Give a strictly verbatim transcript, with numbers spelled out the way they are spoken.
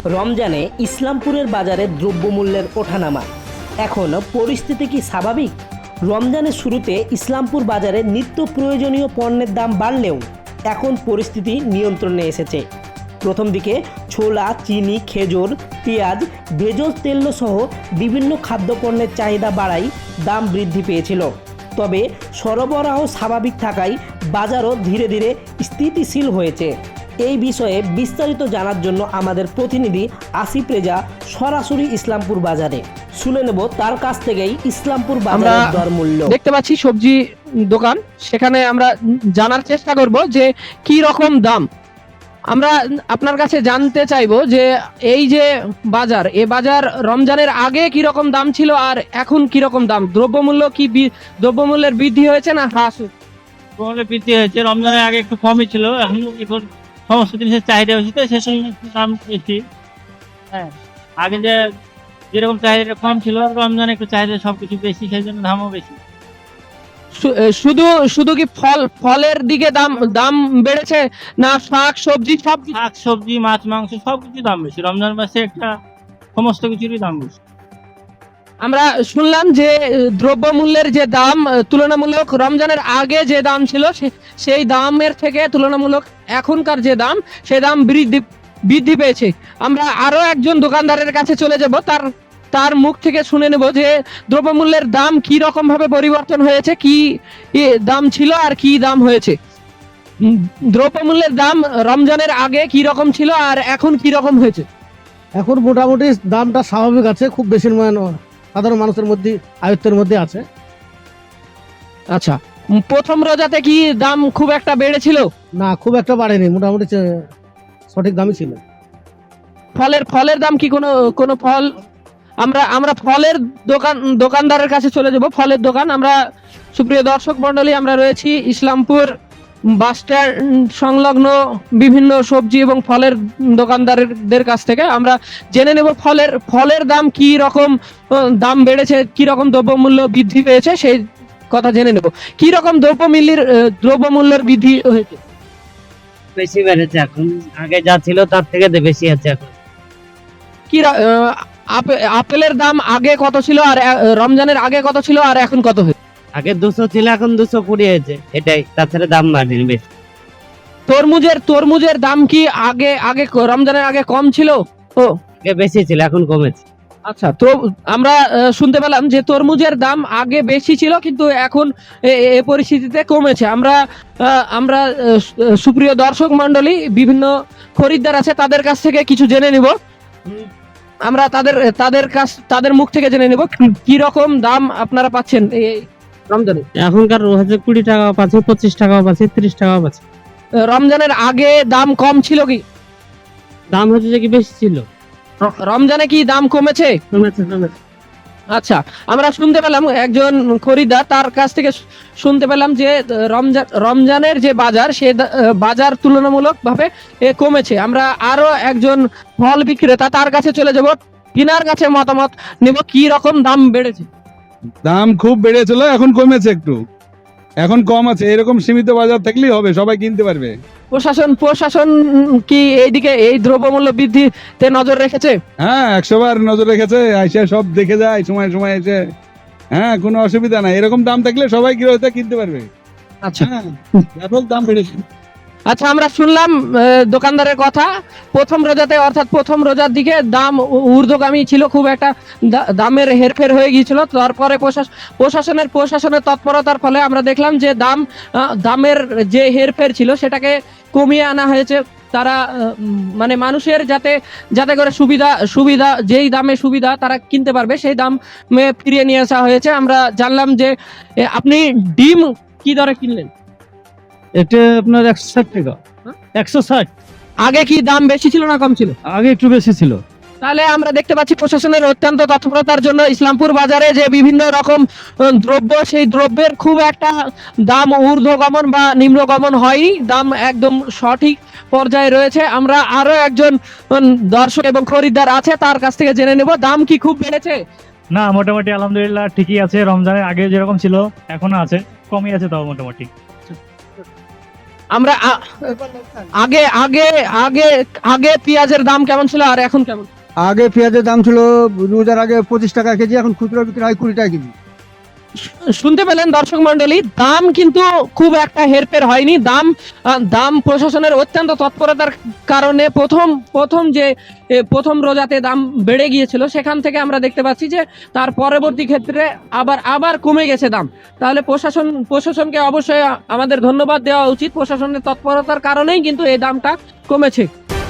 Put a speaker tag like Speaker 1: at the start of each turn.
Speaker 1: রমজানে ইসলামপুরের বাজারে দ্রব্যমূল্যের ওঠানামা। এখন পরিস্থিতি কি স্বাভাবিক? রমজানের শুরুতে ইসলামপুর বাজারে নিত্য প্রয়োজনীয় পণ্যের দাম বাড়লেও এখন পরিস্থিতি নিয়ন্ত্রণে এসেছে। প্রথম দিকে ছোলা, চিনি, খেজুর, পেঁয়াজ, ভেষজ তেল সহ বিভিন্ন খাদ্যপণ্যের চাহিদা বাড়ায় দাম বৃদ্ধি পেয়েছিল। তবে সরবরাহ স্বাভাবিক থাকায় বাজারও ধীরে ধীরে স্থিতিশীল হয়েছে। এই বিষয়ে বিস্তারিত জানার জন্য আমাদের প্রতিনিধি আসিফ রেজা সরাসরি ইসলামপুর বাজারে। শুনে নেব তার কাছ থেকেই ইসলামপুর বাজারের দর মূল্য।
Speaker 2: দেখতে পাচ্ছি সবজি দোকান, সেখানে আমরা জানার চেষ্টা করব যে কি রকম দাম। আমরা আপনার কাছে জানতে চাইবো যে এই যে বাজার, এ বাজার রমজানের আগে কি রকম দাম ছিল আর এখন কি রকম দাম? দ্রব্যমূল্য কি দ্রব্যমূল্যের বৃদ্ধি হয়েছে না হ্রাস?
Speaker 3: বৃদ্ধি হয়েছে। রমজানের আগে একটু কমই ছিল, এখন এখন সমস্ত জিনিসের চাহিদা বেশি, তো সেই সময় দাম বেশি। হ্যাঁ, আগে যে যেরকম চাহিদা কম ছিল, রমজানে একটু চাহিদা সবকিছু বেশি, সেই জন্য দামও বেশি।
Speaker 2: শুধু শুধু কি ফল ফলের দিকে দাম দাম বেড়েছে না শাক সবজি? সব
Speaker 3: শাক সবজি, মাছ মাংস সবকিছু দাম বেশি। রমজান মাসে একটা সমস্ত কিছুরই দাম বেশি।
Speaker 2: আমরা শুনলাম যে দ্রব্যমূল্যের যে দাম তুলনামূলক রমজানের আগে যে দাম ছিল সেই দামের থেকে তুলনামূলক এখনকার যে দাম, সেই দাম বৃদ্ধি বৃদ্ধি পেয়েছে। আমরা আরো একজন দোকানদারের কাছে চলে যাব, তার তার মুখ থেকে শুনে নেব যে দ্রব্যমূল্যের দাম কি রকম ভাবে পরিবর্তন হয়েছে, কি দাম ছিল আর কি দাম হয়েছে। দ্রব্যমূল্যের দাম রমজানের আগে কি রকম ছিল আর এখন কি রকম হয়েছে?
Speaker 4: এখন মোটামুটি দামটা স্বাভাবিক আছে, খুব বেশি নয়, সাধারণ মানুষের মধ্যে আয়ত্তের মধ্যে আছে।
Speaker 2: আচ্ছা, প্রথম রোজাতে কি দাম খুব একটা বেড়েছিল?
Speaker 4: না, খুব একটা বাড়েনি, মোটামুটি সঠিক দামই ছিল।
Speaker 2: ফলের ফলের দাম কি কোনো কোনো ফল? আমরা আমরা ফলের দোকান দোকানদারের কাছে চলে যাব। ফলের দোকান, আমরা সুপ্রিয় দর্শক মন্ডলী, আমরা রয়েছি ইসলামপুর বাস স্ট্যান্ড সংলগ্ন বিভিন্ন সবজি এবং ফলের দোকানদারদের কাছ থেকে আমরা জেনে নেব ফলের ফলের দাম কি রকম দাম বেড়েছে, কি রকম দ্রব্যমূল্য বৃদ্ধি পেয়েছে, সেই কথা জেনে নেব। কি রকম দ্রব্যমূল্যের দ্রব্যমূল্যের বৃদ্ধি হয়েছে?
Speaker 5: বেশি বেড়েছে এখন, আগে যা ছিল তার থেকে বেশি আছে এখন।
Speaker 2: কি আপেলের দাম আগে কত ছিল আর রমজানের আগে কত ছিল আর এখন কত হয়েছে?
Speaker 5: আগে দুশো ছিল, এখন দুশো কুড়ি হয়েছে, এটাই, তাছাড়া দাম বাড়েনি বেশি।
Speaker 2: তরমুজের তরমুজের দাম কি আগে আগে রমজানের আগে কম ছিল? ও,
Speaker 5: আগে বেশি ছিল, এখন কমেছে।
Speaker 2: আচ্ছা, তো আমরা শুনতে পেলাম যে তরমুজের দাম আগে বেশি ছিল কিন্তু এখন এই পরিস্থিতিতে কমেছে। আমরা আমরা সুপ্রিয় দর্শক মন্ডলী, বিভিন্ন খরিদ্দার আছে, তাদের কাছ থেকে কিছু জেনে নিব। আমরা তাদের তাদের কাছ তাদের মুখ থেকে জেনে নেব কি রকম দাম আপনারা পাচ্ছেন এই রমজানে।
Speaker 5: এখনকার হচ্ছে কুড়ি টাকা পাচ্ছে, পঁচিশ টাকা পাচ্ছে, ত্রিশ টাকা পাচ্ছে।
Speaker 2: রমজানের আগে দাম কম ছিল কি?
Speaker 5: দাম হচ্ছে যে কি বেশি ছিল।
Speaker 2: রমজানে কি দাম কমেছে?
Speaker 5: কমেছে কমেছে।
Speaker 2: আচ্ছা, আমরা শুনতে পেলাম একজন খরিদ্দার, তার কাছ থেকে শুনতে পেলাম যে রমজান রমজানের যে বাজার, সে বাজার তুলনামূলক ভাবে কমেছে। আমরা আরো একজন ফল বিক্রেতা, তার কাছে চলে যাব, তিনার কাছে মতামত নেব কি রকম দাম বেড়েছে।
Speaker 6: দাম খুব বেড়েছিল, এখন কমেছে একটু, এখন কম আছে। এরকম সীমিত বাজার থাকলেই হবে, সবাই কিনতে পারবে।
Speaker 2: প্রশাসন প্রশাসন কি এইদিকে এই দ্রব্যমূল্য বৃদ্ধিতে নজর রেখেছে?
Speaker 6: হ্যাঁ, একশো বার নজর রেখেছে, আইসা সব দেখে যায় সময় সময় এসে। হ্যাঁ, কোনো অসুবিধা নাই, এরকম দাম থাকলে সবাই গৃহস্থ কিনতে পারবে।
Speaker 2: আচ্ছা,
Speaker 6: হ্যাঁ, ব্যাপক দাম বেড়েছে।
Speaker 2: আচ্ছা, আমরা শুনলাম দোকানদারের কথা, প্রথম রোজাতে অর্থাৎ প্রথম রোজার দিকে দাম ঊর্ধ্বগামী ছিল, খুব একটা দামের হেরফের হয়ে গিয়েছিল। তারপরে প্রশাসনের প্রশাসনের তৎপরতার ফলে আমরা দেখলাম যে দাম দামের যে হেরফের ছিল সেটাকে কমিয়ে আনা হয়েছে। তারা মানে মানুষের যাতে যাতে করে সুবিধা সুবিধা যেই দামে সুবিধা তারা কিনতে পারবে, সেই দাম ফিরিয়ে নিয়ে আসা হয়েছে। আমরা জানলাম যে আপনি ডিম কি দরে কিনলেন?
Speaker 4: এটা আপনার একশো ষাট টাকা। একশো ষাট।
Speaker 2: আগে কি দাম বেশি ছিল না কম ছিল?
Speaker 4: আগে একটু বেশি ছিল।
Speaker 2: তাহলে আমরা দেখতে পাচ্ছি প্রশাসনের অত্যন্ত তৎপরতার জন্য ইসলামপুর বাজারে যে বিভিন্ন রকম দ্রব্য, সেই দ্রব্যের খুব একটা দাম ঊর্ধ্বগমন বা নিম্নগমন হয়নি, দাম একদম সঠিক পর্যায়ে রয়েছে। আমরা আরো একজন দর্শক এবং খরিদ্দার আছে, তার কাছ থেকে জেনে নেব দাম কি খুব বেড়েছে?
Speaker 3: না, মোটামুটি আলহামদুলিল্লাহ ঠিকই আছে। রমজানের আগে যেরকম ছিল এখনো আছে, কমই আছে, তাও মোটামুটি।
Speaker 2: আমরা আ- আগে আগে আগে আগে পেঁয়াজের দাম কেমন ছিল আর এখন কেমন?
Speaker 7: আগে পেঁয়াজের দাম ছিল রোজার আগে পঁচিশ টাকা কেজি, এখন খুচরা বিক্রি হয় কুড়ি টাকা কেজি।
Speaker 2: শুনতে পেলেন দর্শক মন্ডলী, দাম কিন্তু খুব একটা হেরফের হয়নি। দাম আহ, দাম প্রশাসনের অত্যন্ত তৎপরতার কারণে প্রথম প্রথম যে এ, প্রথম রোজাতে দাম বেড়ে গিয়েছিল, সেখান থেকে আমরা দেখতে পাচ্ছি যে তার পরবর্তী ক্ষেত্রে আবার আবার কমে গেছে দাম। তাহলে প্রশাসন প্রশাসনকে অবশ্যই আমাদের ধন্যবাদ দেওয়া উচিত। প্রশাসনের তৎপরতার কারণেই কিন্তু এই দামটা কমেছে।